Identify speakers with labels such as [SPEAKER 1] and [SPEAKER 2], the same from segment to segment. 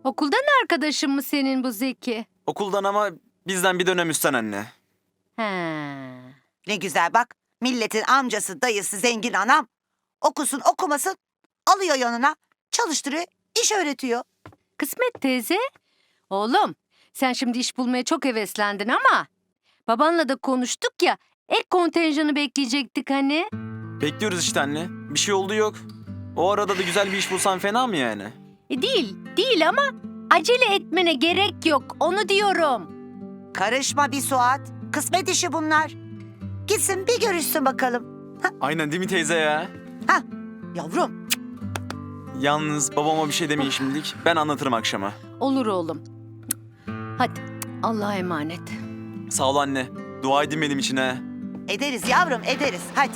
[SPEAKER 1] Okuldan arkadaşın mı senin bu Zeki?
[SPEAKER 2] Okuldan ama bizden bir dönem üstten anne.
[SPEAKER 1] He.
[SPEAKER 3] Ne güzel bak. Milletin amcası, dayısı, zengin anam. Okusun okumasın alıyor yanına. Çalıştırıyor, iş öğretiyor.
[SPEAKER 1] Kısmet teyze. Oğlum sen şimdi iş bulmaya çok heveslendin ama babanla da konuştuk ya, ek kontenjanı bekleyecektik hani.
[SPEAKER 2] Bekliyoruz işte anne. Bir şey oldu yok. O arada da güzel bir iş bulsan fena mı yani?
[SPEAKER 1] Değil ama acele etmene gerek yok, onu diyorum.
[SPEAKER 3] Karışma bir Suat. Kısmet işi bunlar. Gitsin bir görüşsün bakalım.
[SPEAKER 2] Aynen değil mi teyze ya?
[SPEAKER 3] Yavrum.
[SPEAKER 2] Yalnız babama bir şey demeyin şimdilik. Ben anlatırım akşama.
[SPEAKER 1] Olur oğlum. Hadi Allah'a emanet.
[SPEAKER 2] Sağ ol anne. Dua edin benim için ha.
[SPEAKER 3] Ederiz yavrum ederiz. Hadi.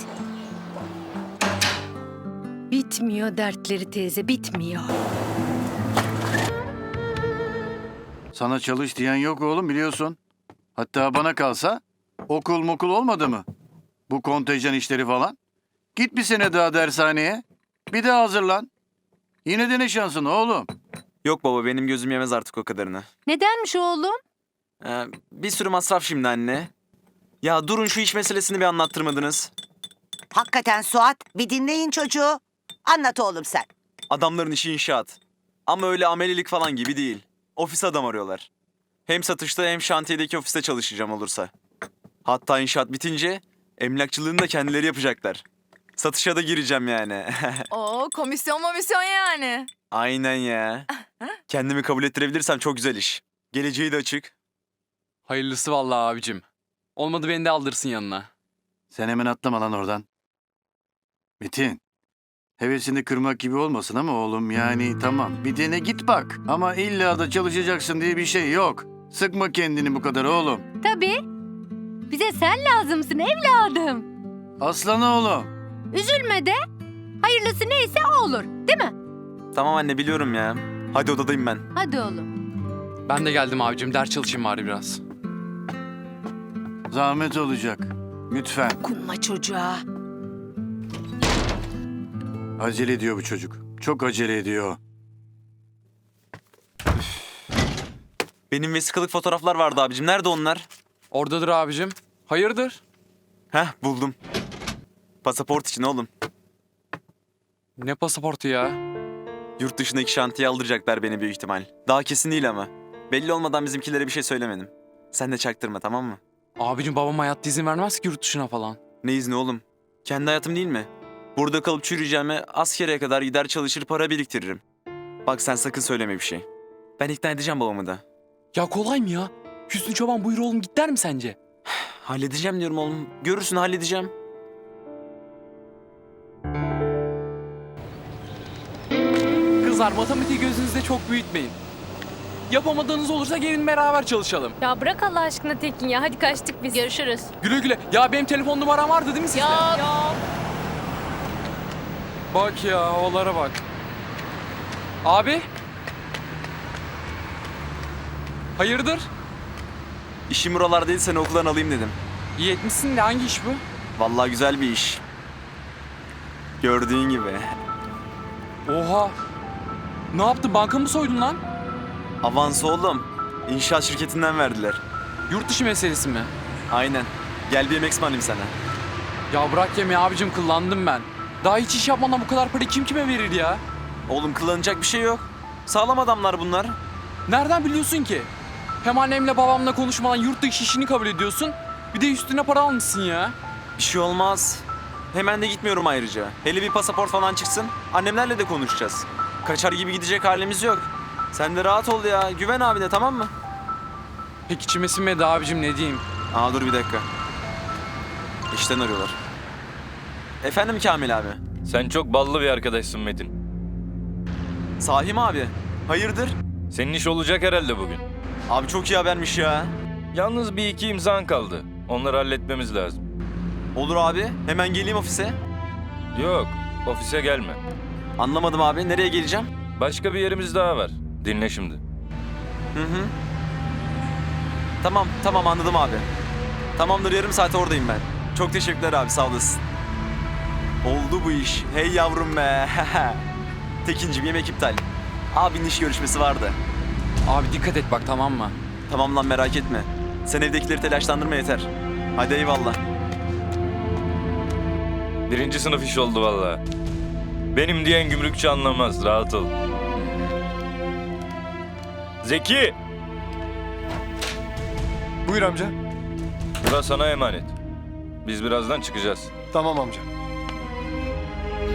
[SPEAKER 1] Bitmiyor dertleri teyze, bitmiyor.
[SPEAKER 4] Sana çalış diyen yok oğlum biliyorsun. Hatta bana kalsa okul mokul olmadı mı? Bu kontenjan işleri falan. Git bir sene daha dershaneye. Bir daha hazırlan. Yine dene şansın oğlum.
[SPEAKER 2] Yok baba benim gözüm yemez artık o kadarını.
[SPEAKER 1] Nedenmiş oğlum?
[SPEAKER 2] Bir sürü masraf şimdi anne. Ya durun şu iş meselesini bir anlattırmadınız.
[SPEAKER 3] Hakikaten Suat bir dinleyin çocuğu. Anlat oğlum sen.
[SPEAKER 2] Adamların işi inşaat. Ama öyle amelilik falan gibi değil. Ofis adam arıyorlar. Hem satışta hem şantiyedeki ofiste çalışacağım olursa. Hatta inşaat bitince emlakçılığını da kendileri yapacaklar. Satışa da gireceğim yani.
[SPEAKER 5] Oo, komisyon yani.
[SPEAKER 2] Aynen ya. Kendimi kabul ettirebilirsem çok güzel iş. Geleceği de açık.
[SPEAKER 6] Hayırlısı vallahi abicim. Olmadı beni de aldırsın yanına.
[SPEAKER 4] Sen hemen atlama lan oradan. Metin. Hevesini kırmak gibi olmasın ama oğlum yani tamam. Bir dene git bak. Ama illa da çalışacaksın diye bir şey yok. Sıkma kendini bu kadar oğlum.
[SPEAKER 1] Tabii. Bize sen lazımsın evladım.
[SPEAKER 4] Aslan oğlum.
[SPEAKER 1] Üzülme de. Hayırlısı neyse o olur, değil mi?
[SPEAKER 2] Tamam anne biliyorum ya. Hadi odadayım ben.
[SPEAKER 1] Hadi oğlum.
[SPEAKER 6] Ben de geldim abicim. Ders çalışayım bari biraz.
[SPEAKER 4] Zahmet olacak. Lütfen.
[SPEAKER 1] Dokunma çocuğa.
[SPEAKER 4] Acele ediyor bu çocuk. Çok acele ediyor.
[SPEAKER 2] Benim vesikalık fotoğraflar vardı abicim. Nerede onlar?
[SPEAKER 6] Oradadır abicim. Hayırdır?
[SPEAKER 2] Heh buldum. Pasaport için oğlum.
[SPEAKER 6] Ne pasaportu ya?
[SPEAKER 2] Yurt dışındaki şantiye aldıracaklar beni büyük ihtimal. Daha kesin değil ama. Belli olmadan bizimkilere bir şey söylemedim. Sen de çaktırma tamam mı?
[SPEAKER 6] Abicim babam hayatta izin vermez ki yurt dışına falan.
[SPEAKER 2] Ne izni oğlum? Kendi hayatım değil mi? Burada kalıp çürüyeceğime askere kadar gider çalışır para biriktiririm. Bak sen sakın söyleme bir şey. Ben ikna edeceğim babamı da.
[SPEAKER 6] Ya kolay mı ya? Hüsnü Çoban buyur oğlum git der mi sence?
[SPEAKER 2] Halledeceğim diyorum oğlum. Görürsün halledeceğim.
[SPEAKER 6] Kızlar matematiği gözünüzde çok büyütmeyin. Yapamadığınız olursa gelin beraber çalışalım.
[SPEAKER 7] Ya bırak Allah aşkına Tekin ya. Hadi kaçtık biz. Görüşürüz.
[SPEAKER 6] Güle güle. Ya benim telefon numaram vardı değil mi sizde?
[SPEAKER 7] Ya.
[SPEAKER 6] Bak ya olara bak. Abi. Hayırdır?
[SPEAKER 2] İşim buralar değil seni okuldan alayım dedim.
[SPEAKER 6] İyi etmişsin de hangi iş bu?
[SPEAKER 2] Vallahi güzel bir iş. Gördüğün gibi.
[SPEAKER 6] Oha. Ne yaptın? Banka mı soydun lan?
[SPEAKER 2] Avans oğlum. İnşaat şirketinden verdiler.
[SPEAKER 6] Yurt dışı meselesi mi?
[SPEAKER 2] Aynen. Gel bir yemek ısmarlayayım sana.
[SPEAKER 6] Ya bırak yemeği abicim kullandım ben. Daha hiç iş yapmadan bu kadar parayı kim kime verir ya?
[SPEAKER 2] Oğlum kullanacak bir şey yok. Sağlam adamlar bunlar.
[SPEAKER 6] Nereden biliyorsun ki? Hem annemle babamla konuşmadan yurt dışı işini kabul ediyorsun. Bir de üstüne para almışsın ya.
[SPEAKER 2] Bir şey olmaz. Hemen de gitmiyorum ayrıca. Hele bir pasaport falan çıksın. Annemlerle de konuşacağız. Kaçar gibi gidecek halimiz yok. Sen de rahat ol ya. Güven abine tamam mı?
[SPEAKER 6] Pek içime sinmedi abicim ne diyeyim.
[SPEAKER 2] Aa dur bir dakika. İşten arıyorlar. Efendim Kamil abi.
[SPEAKER 8] Sen çok ballı bir arkadaşsın Metin.
[SPEAKER 2] Sahi mi abi? Hayırdır?
[SPEAKER 8] Senin iş olacak herhalde bugün.
[SPEAKER 2] Abi çok iyi habermiş ya.
[SPEAKER 8] Yalnız bir iki imzan kaldı. Onları halletmemiz lazım.
[SPEAKER 2] Olur abi. Hemen geleyim ofise.
[SPEAKER 8] Yok, ofise gelme.
[SPEAKER 2] Anlamadım abi. Nereye geleceğim?
[SPEAKER 8] Başka bir yerimiz daha var. Dinle şimdi.
[SPEAKER 2] Hı. Tamam anladım abi. Tamamdır yarım saate oradayım ben. Çok teşekkürler abi sağ olasın. Oldu bu iş. Hey yavrum be. Tekincim yemek iptal. Abinin iş görüşmesi vardı.
[SPEAKER 6] Abi dikkat et bak, tamam mı?
[SPEAKER 2] Tamam lan, merak etme. Sen evdekileri telaşlandırma yeter. Hadi eyvallah.
[SPEAKER 8] 1. sınıf iş oldu vallahi. Benim diyen gümrükçü anlamaz. Rahat ol. Zeki!
[SPEAKER 9] Buyur amca.
[SPEAKER 8] Burası sana emanet. Biz birazdan çıkacağız.
[SPEAKER 9] Tamam amca.